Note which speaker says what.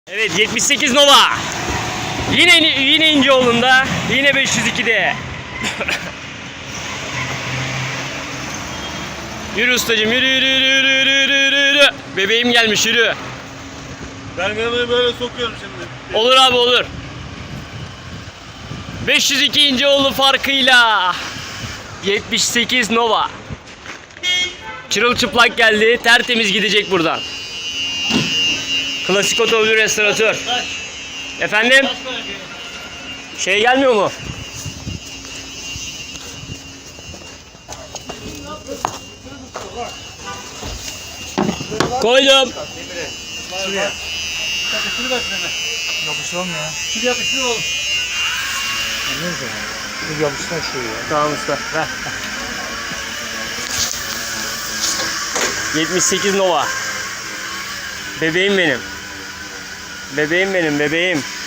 Speaker 1: Evet 78 Nova. Yine İnceoğlu'nda. Yine 502'de. Yürü ustacığım yürü yürü yürü yürü yürü yürü yürü. Bebeğim gelmiş yürü.
Speaker 2: Ben kamerayı böyle sokuyorum şimdi.
Speaker 1: Olur abi olur. 502 İnceoğlu farkıyla 78 Nova. Çırılçıplak geldi. Tertemiz gidecek buradan. Klasik otomobil restoratör. Efendim? Şey gelmiyor mu? Koydum.
Speaker 2: Şuraya. Şunu ver frene.
Speaker 3: Yapıştır oğlum ya.
Speaker 2: Şunu yapıştır oğlum.
Speaker 3: Neyse. Dur yapıştır şuraya.
Speaker 1: Tamam usta. Ver. 78 Nova. Bebeğim benim. Bebeğim benim bebeğim.